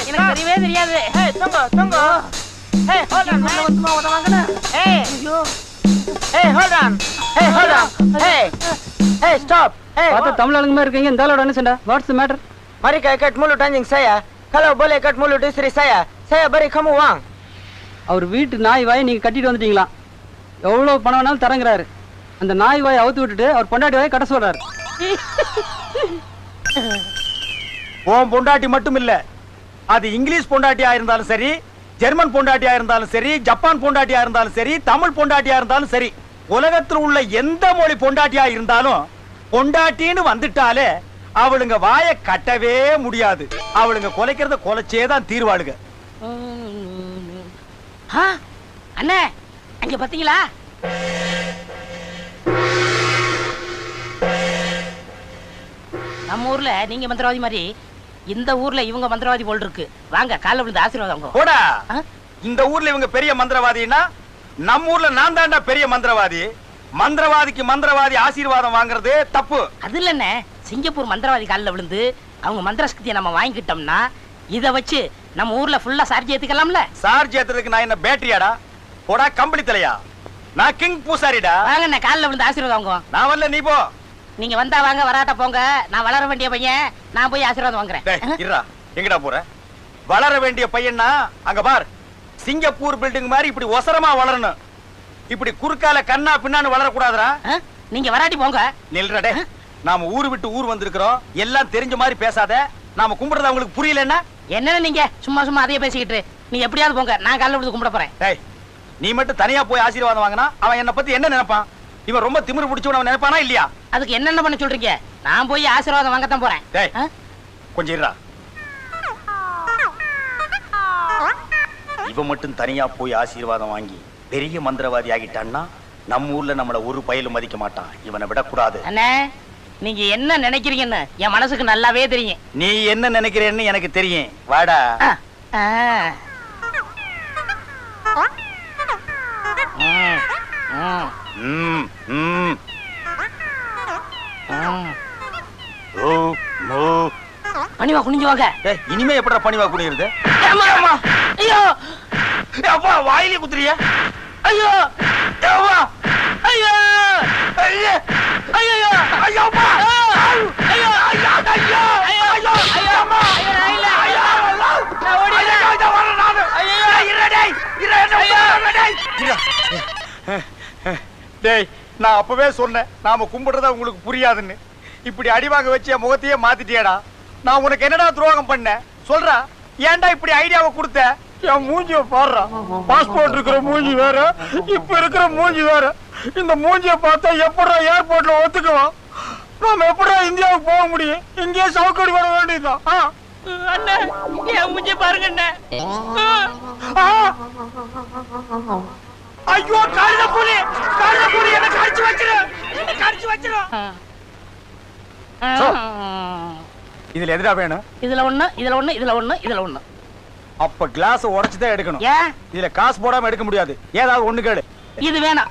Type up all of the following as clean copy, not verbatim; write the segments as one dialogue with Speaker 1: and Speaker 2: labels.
Speaker 1: எனக்கு தெரியவே தெரியாது.
Speaker 2: Hey, tunggu. Hey, hold on.
Speaker 1: வந்துமா உதவாங்கண்ணா.
Speaker 2: Hey.
Speaker 1: ஐயோ.
Speaker 2: Hey, hold on. Hey, stop. Hey.
Speaker 3: பார்த்தா தமிழ் ஆளுங்க மாதிரி இருக்கீங்க. இந்த ஆளோட என்ன சண்டை? What's the matter?
Speaker 2: Mari kau ikat mulut anjing saya. Kalau boleh ikat mulut istri saya beri kamu uang.
Speaker 3: அவர் வீட்டு நாய் வாயை நீங்க கட்டிட்டு வந்துட்டீங்களா? எவ்வளவு பணம் வேணாலும் தரங்குறாரு. அந்த நாய் வாயை அவுத்து விட்டுட்டு அவர் பொண்டாட்டி வாயை கட்ட சொல்றாரு.
Speaker 4: உன் பொண்டாட்டி மட்டும் இல்ல, அது இங்கிலீஷ் பொண்டாட்டியா இருந்தாலும் சரி, ஜெர்மன் பொண்டாட்டியா இருந்தாலும் சரி, ஜப்பான் பொண்டாட்டியா இருந்தாலும் சரி, தமிழ் பொண்டாட்டியா இருந்தாலும் சரி, உலகத்தில் உள்ள எந்த மொழி பொண்டாட்டியா இருந்தாலும் பொண்டாட்டின்னு வந்துட்டாலே அவளுங்க வாயை கட்டவே முடியாது. அவளுங்க கொலைக்கிறத கொலைச்சேதான் தீர்வாளுங்க.
Speaker 1: அண்ணே அங்க பாத்தீங்களா? நம்ம ஊர்ல நீங்க மந்திரவாதி மாதிரி இந்த ஊர்ல இவங்க மந்திரவாதி போல் இருக்கு. வாங்க காலைல விழுந்து ஆசீர்வாதம்.
Speaker 4: போடா, இந்த ஊர்ல இவங்க பெரிய மந்திரவாதினா நம்ம ஊர்ல நான் தாண்டா பெரிய மந்திரவாதி. மந்திரவாதிக்கு மந்திரவாதி ஆசீர்வாதம் வாங்குறது தப்பு. அது
Speaker 1: இல்லண்ணே, சிங்கப்பூர் மந்திரவாதி காலில் விழுந்து அவங்க மந்திர சக்தியை நம்ம வாங்கிக்கிட்டோம்னா இதை வச்சு நம்ம ஊர்ல ஃபுல்லா சார்ஜ் ஏத்துக்கலாம்ல.
Speaker 4: சார்ஜ் ஏத்துறதுக்கு நான் என்ன பேட்டரியாடா? போடா கம்பளி தலையா, நான் கிங் பூசாரிடா.
Speaker 1: வாங்கண்ணே காலில் விழுந்து ஆசீர்வாதம் வாங்குவோம்.
Speaker 4: நான் வரல, நீ போ.
Speaker 1: நீங்க வந்தா வாங்க, வராட்ட போங்க. நான் வளர வேண்டிய பையன், நான் போய் ஆசீர்வாதம் வாங்குறேன்.
Speaker 4: இருடா, எங்கடா போற? வளர வேண்டிய பையன்னா அங்க பார், சிங்கப்பூர் பில்டிங் மாதிரி இப்படி ஒசரமா வளரணும். இப்படி குறுக்கால கண்ணா பின்னான்னு வளரக்கூடாதுடா.
Speaker 1: நீங்க வராட்டி போங்க.
Speaker 4: நில்றடே, நாம ஊரு விட்டு ஊர் வந்திருக்கிறோம். எல்லாம் தெரிஞ்ச மாதிரி பேசாத. நாம கும்பிடுறது அவங்களுக்கு புரியலன்னா
Speaker 1: என்ன? நீங்க சும்மா சும்மா அதையே பேசிக்கிட்டு நீங்க எப்படியாவது போங்க. நான் காலைல விழுந்து கும்பிட போறேன்.
Speaker 4: டேய், நீ மட்டும் தனியா போய் ஆசீர்வாதம் வாங்கினா அவன் என்ன பத்தி என்ன நினைப்பான்? இவன் ரொம்ப திமிரு பிடிச்சவன் அவன் நினைப்பானா இல்லையா?
Speaker 1: அதுக்கு என்னென்ன பண்ண சொல்றீங்க? நான் போய் ஆசீர்வாதம் வாங்கத்தான் போறேன்.
Speaker 4: டேய் கொஞ்சம் இருடா. இவன் மட்டும் தனியா போய் ஆசீர்வாதம் வாங்கி பெரிய மந்திரவாதி ஆகிட்டான்னா நம்ம ஊர்ல நம்மள ஒரு பயலும் மதிக்க மாட்டான். இவனை விடக்கூடாது.
Speaker 1: அண்ணே, நீங்க என்ன நினைக்கிறீங்கன்னு என் மனசுக்கு நல்லாவே தெரியும்.
Speaker 4: நீ என்ன நினைக்கிறேன்னு எனக்கு தெரியும். வாடா.
Speaker 1: பணிவா குனிஞ்சு வாங்க.
Speaker 4: இனிமே எப்படா பணிவா குனியுறது?
Speaker 1: ஐயோ
Speaker 4: அப்பா, வாயிலே குத்துறிய?
Speaker 1: ஐயோ
Speaker 4: ஐயோ
Speaker 1: ஐயோ
Speaker 4: ஐயோ ஐயோ ஐயோ ஐயோ நான் அப்பவே சொன்னேன் நாம கும்பிடுறதா உங்களுக்கு புரியாதுன்னு. இப்படி அடிவாங்க வச்சு என் முகத்தையே மாத்திட்டியடா. நான் உனக்கு என்னடா துரோகம் பண்ண சொல்றா? ஏன்டா இப்படி ஐடியாவை கொடுத்த? என் மூஞ்சிய பாடுறா. பாஸ்போர்ட் இருக்கிற மூஞ்சி வேற, இப்ப இருக்கிற மூஞ்சி வேற. இந்த மூஞ்சிய பார்த்தா எப்படா ஏர்போர்ட்ல ஒத்துக்குவான்? நாம எப்படா இந்தியாவுக்கு போக முடியும்? இங்கேயே சவுக்கடி வர வேண்டியதுதான்.
Speaker 1: அண்ணே, என் மூஞ்சி பாருங்க அண்ணே.
Speaker 4: ஐயோ, காலில புலி என்ன கடிச்சு வச்சிரும், என்ன கடிச்சு வச்சிரும். இதுல எதுடா வேணும்?
Speaker 1: இதுல ஒண்ணு, இதுல ஒண்ணு, இதுல ஒண்ணு, இதுல ஒண்ணு.
Speaker 4: அப்ப கிளாஸ் உடைச்சு தான் எடுக்கணும்.
Speaker 1: ஏன்?
Speaker 4: இதுல காசு போடாம எடுக்க முடியாது. ஏதாவது ஒண்ணு கேடு.
Speaker 1: இது வேணாம்.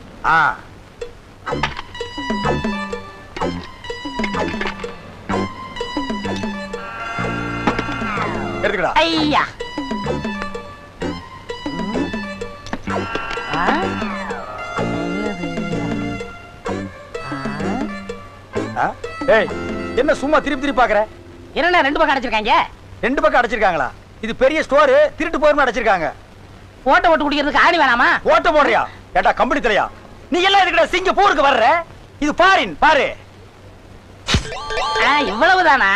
Speaker 4: எடுத்துக்கடா.
Speaker 1: ஐயா,
Speaker 4: ஏய், என்ன சும்மா திருப்பி திருப்பி பாக்குற?
Speaker 1: என்ன ரெண்டு பக்கம் அடைச்சிருக்காங்க?
Speaker 4: ரெண்டு பக்கம் அடைச்சிருக்காங்களா? இது பெரிய ஸ்டோர், திருட்டு போயிருமா அடைச்சிருக்காங்க.
Speaker 1: ஓட்ட ஓட்டு குடிக்கிறதுக்கு ஆணி வேணாமா?
Speaker 4: ஓட்ட போடுறியா? ஏட்டா கம்பெனி தலையா, நீ எல்லாம் எதுக்குடா சிங்கப்பூருக்கு வர்ற? இது பாரின் பாரு.
Speaker 1: இவ்வளவுதானா?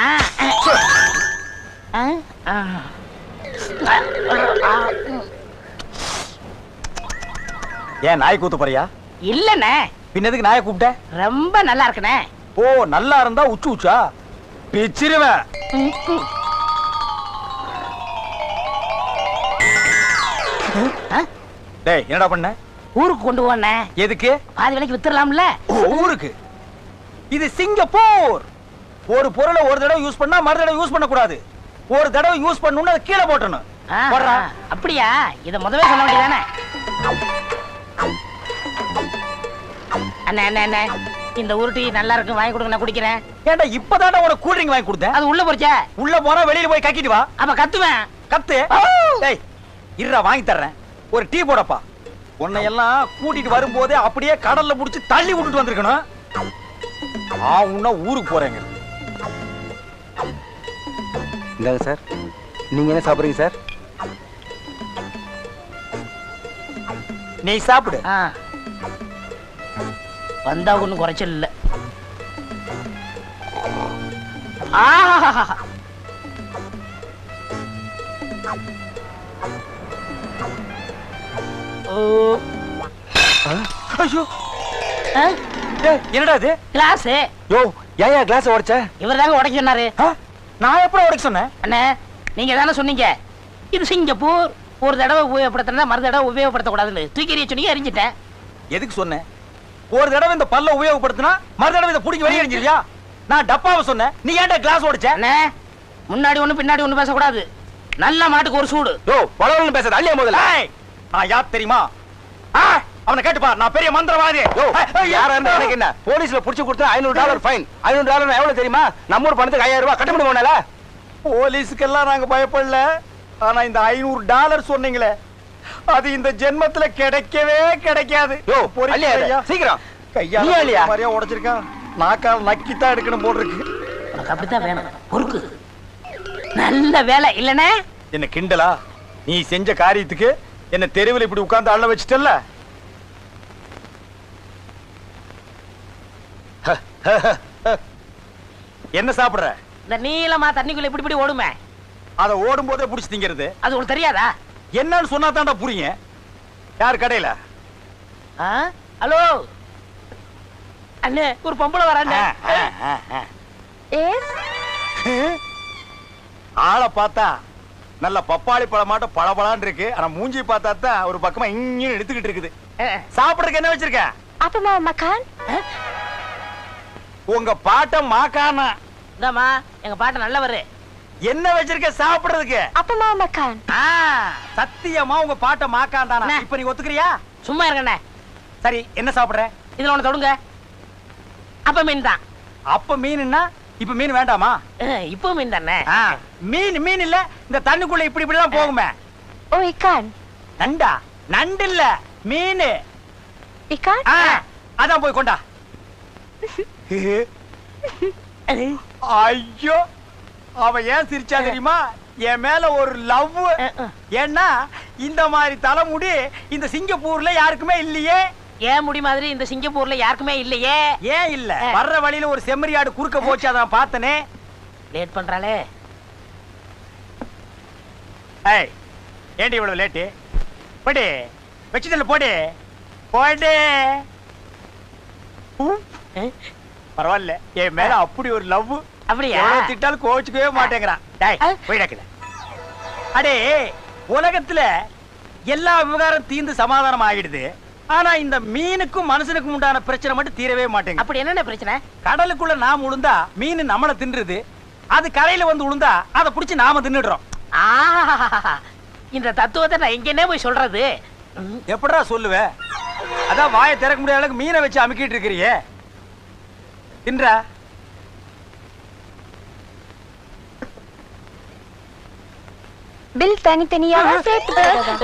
Speaker 4: ஏன் நாய் கூத்து போறியா?
Speaker 1: இல்லண்ணே.
Speaker 4: பின்னதுக்கு நாயை கூப்பிட்ட?
Speaker 1: ரொம்ப நல்லா இருக்குண்ணே.
Speaker 4: ஓ, நல்லா இருந்தா உச்சு உச்சா பிச்சிருவேன். டேய், என்னடா பண்ண?
Speaker 1: ஊருக்கு கொண்டு போனே.
Speaker 4: எதுக்கு?
Speaker 1: பாதி விலைக்கு வித்துறலாம்ல.
Speaker 4: ஊருக்கு? இது சிங்கப்பூர். ஒரு பொருளை ஒரு தடவை யூஸ் பண்ணா மறு தடவை யூஸ் பண்ண கூடாது. ஒரு தடவை யூஸ் பண்ணனும்னா அதை கீழே போடணும்.
Speaker 1: அப்படியா? இத முதவே சொல்ல வேண்டியதானே? அண்ணே அண்ணே அண்ணே, இந்த உருட்டி நல்லா இருக்கு, வாங்கி கொடுங்க, நான் குடிக்கிறேன்.
Speaker 4: ஏன்டா இப்பதான்டா உனக்கு கூல் ட்ரிங்க் வாங்கி கொடுத்தேன்.
Speaker 1: அது உள்ள போச்சே.
Speaker 4: உள்ள போனா வெளியில போய் கக்கிட்டு வா.
Speaker 1: அப்ப கத்துவேன்.
Speaker 4: கத்து. டேய் இருடா வாங்கி தர்றேன். ஒரு டீ போடப்பா. உன்னை எல்லாம் கூட்டிட்டு வரும்போதே அப்படியே கடல்ல புடிச்சு தள்ளி விட்டுட்டு வந்திருக்கணும். உன்ன ஊருக்கு போறேங்க.
Speaker 2: இந்தாங்க சார். நீங்க என்ன சாப்பிடுறீங்க சார்?
Speaker 4: நீ சாப்பிடு.
Speaker 1: வந்தா ஒண்ணும் குறைச்சல் இல்ல. ஆஹா
Speaker 4: ஐயோ என்னடா இது?
Speaker 1: கிளாஸ்.
Speaker 2: யோ ஏன் கிளாஸ் உடைச்ச?
Speaker 1: இவர் தாங்க உடைக்க சொன்னாரு.
Speaker 4: நான் எப்ப உடைக்க சொன்னேன்?
Speaker 1: அண்ணே நீங்க தானே சொன்னீங்க இது சிங்கப்பூர், ஒரு தடவை உபயோகப்படுத்தினா மறு தடவை உபயோகப்படுத்த கூடாதுன்னு. தூக்கி எறிய சொன்னீங்க, எரிஞ்சிட்டேன்.
Speaker 4: எதுக்கு சொன்னேன்? ஒரு தடவை இந்த பல்ல உபயோகப்படுத்தினா மறு தடவை இதை பிடிக்க வெளியே எரிஞ்சிருவியா? நான் டப்பாவை சொன்னேன், நீ ஏன்டா கிளாஸ் உடைச்ச?
Speaker 1: அண்ணே முன்னாடி ஒண்ணு பின்னாடி ஒண்ணு பேசக்கூடாது. நல்ல மாட்டுக்கு ஒரு சூடு.
Speaker 2: யோ பலவன் பேசாத, அள்ளியா முதல்ல.
Speaker 4: நான் யார் தெரியுமா? அவனை கேட்டுப்பா, நான் பெரிய மந்திரவாதி.
Speaker 2: யோ யாரா இருந்தா எனக்கு என்ன? போலீஸ்ல புடிச்சு கொடுத்தா $500 ஃபைன். $500 எவ்வளவு தெரியுமா? நம்ம ஊர் பணத்துக்கு $5000 கட்ட முடியுமால?
Speaker 4: போலீஸுக்கெல்லாம் நாங்க பயப்படல. ஆனா இந்த $500 சொன்னீங்களே, அது இந்த ஜென்மத்துல கிடைக்கவே கிடைக்காது.
Speaker 2: யோ
Speaker 4: பொறுமையா
Speaker 2: அள்ளியா சீக்கிரம்.
Speaker 4: கையால
Speaker 2: நீ அள்ளியா?
Speaker 4: மாதிரியா உடைச்சிருக்கான். நாக்கால் நக்கித்தான் எடுக்கணும் போல் இருக்கு.
Speaker 1: உனக்கு அப்படித்தான் வேணும். பொறுக்கு. நல்ல வேலை இல்லனே.
Speaker 4: என்ன கிண்டலா? நீ செஞ்ச காரியத்துக்கு என்ன தெருவில் இப்படி உட்கார்ந்து அள்ள வச்சிட்டல்ல? என்ன சாப்பிடுற?
Speaker 1: இந்த நீளமா தண்ணிக்குள்ள இப்படி இப்படி ஓடுமே,
Speaker 4: அத ஓடும் போதே புடிச்சு திங்கிறது.
Speaker 1: அது உங்களுக்கு தெரியாதா?
Speaker 4: என்னன்னு சொன்னா தான்டா புரியுங்க. யார் கடையில?
Speaker 1: ஹலோ அண்ணே, ஒரு பொம்பளை வரானே.
Speaker 4: ஆளை பார்த்தா நல்ல பப்பாளி பழமாட்ட பளபளான்னு இருக்கு. ஆனா மூஞ்சி பார்த்தா தான் ஒரு பக்கமா இங்க எடுத்துக்கிட்டு இருக்குது. சாப்பிடுறதுக்கு என்ன வச்சிருக்க?
Speaker 5: அப்பமா மக்கான்.
Speaker 4: உங்க பாட்ட மாக்கானா?
Speaker 1: இந்தாமா எங்க பாட்ட நல்லவரு.
Speaker 4: என்ன வச்சிருக்க சாப்பிடுறதுக்கு?
Speaker 5: அப்பமா மக்கான்.
Speaker 4: சத்தியமா உங்க பாட்ட மாக்கான் தானா? இப்ப நீ ஒத்துக்கிறியா?
Speaker 1: சும்மா இருக்கண்ணே.
Speaker 4: சரி என்ன சாப்பிடுற?
Speaker 1: இதுல ஒண்ணு தொடுங்க. அப்ப மீன் தான்.
Speaker 4: அப்ப மீன்னா இப்ப மீன் வேண்டாமா?
Speaker 1: இப்போ மீன் தானே.
Speaker 4: மீன் இல்ல, இந்த தண்ணிக்குள்ள இப்படி இப்படி எல்லாம் போகுமே.
Speaker 5: ஓ இக்கான்.
Speaker 4: நண்டா? நண்டு இல்ல, மீன்.
Speaker 5: இக்கான்?
Speaker 4: அதான் போய் கொண்டா. ஐயோ அவ ஏன் சிரிச்சா தெரியுமா? என் மேல ஒரு லவ். ஏன்னா இந்த மாதிரி தலைமுடி இந்த சிங்கப்பூர்ல யாருக்குமே இல்லையே.
Speaker 1: ஏன் முடி மாதிரி இந்த சிங்கப்பூர்ல யாருக்குமே இல்லையே.
Speaker 4: ஏன் இல்ல? வர்ற வழியில ஒரு செம்மறியாடு குறுக்க போச்சு, அதான் பார்த்தனே.
Speaker 1: லேட் பண்றாளே.
Speaker 4: ஏய் ஏண்டி இவ்வளவு லேட்டு? போடி வச்சுதல்ல, போடி போடி. பரவாயில்ல, என் மேல அப்படி ஒரு லவ்.
Speaker 1: அப்படியா?
Speaker 4: திட்டாலும் கோச்சுக்கவே மாட்டேங்கிறான். போயிடக்கல. அடே உலகத்துல எல்லா விவகாரம் தீர்ந்து சமாதானம் ஆகிடுது. ஆனா இந்த மீனுக்கும் மனுஷனுக்கும் உண்டான பிரச்சனை மட்டும் தீரவே மாட்டேங்குது.
Speaker 1: அப்படி என்னென்ன பிரச்சனை?
Speaker 4: கடலுக்குள்ள நாம உளுந்தா மீன் நம்மள தின்றுது. அது கரையில வந்து உளுந்தா அதை புடிச்சு நாம தின்னுடுறோம்.
Speaker 1: இந்த தத்துவத்தை நான் எங்கன்னே போய் சொல்றது?
Speaker 4: எப்படா சொல்லுவ? அதான் வாயை திறக்க முடியாத அளவுக்கு மீனை வச்சு அமுக்கிட்டு இருக்கிறியே. தின்றா?
Speaker 5: பில் தனித்தனியாக சேர்த்து போடுறதா?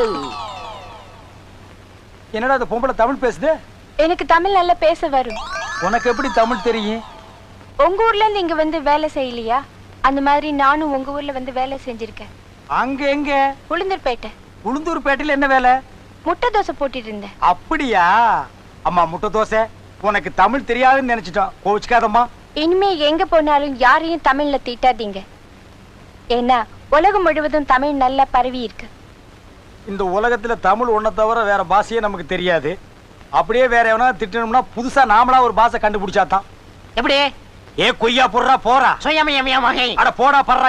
Speaker 4: என்னடா அந்த பொம்பளை தமிழ் பேசுது?
Speaker 5: எனக்கு தமிழ் நல்லா பேச வரும்.
Speaker 4: உனக்கு எப்படி தமிழ் தெரியும்?
Speaker 5: உங்க ஊர்ல இருந்து இங்க வந்து வேலை செய்யலையா? அந்த மாதிரி நானும் உங்க ஊர்ல வந்து வேலை செஞ்சிருக்கேன்.
Speaker 4: அங்க எங்க?
Speaker 5: உளுந்தூர்பேட்டை.
Speaker 4: உளுந்தூர்பேட்டையில என்ன வேலை?
Speaker 5: முட்டை தோசை போட்டுட்டு இருந்தேன்.
Speaker 4: அப்படியா? அம்மா முட்டை தோசை. உனக்கு தமிழ் தெரியாதுன்னு நினைச்சிட்டோம், கோவிச்சுக்காதம்மா.
Speaker 5: இனிமே எங்க போனாலும் யாரையும் தமிழ்ல திட்டாதீங்க. ஏன்னா உலகம் முழுவதும் தமிழ் நல்லா பரவி இருக்கு.
Speaker 4: இந்த உலகத்துல தமிழ் ஒன்ன தவிர வேற பாஷையே நமக்கு தெரியாது. அப்படியே வேற எவனா திட்டணும்னா புதுசா நாமளா ஒரு பாஷை கண்டுபிடிச்சாதான்.
Speaker 1: எப்படி?
Speaker 4: ஏ கொய்யா போடுறா போறா.
Speaker 1: சுயமயமயமாக.
Speaker 4: அட போடா படுறா.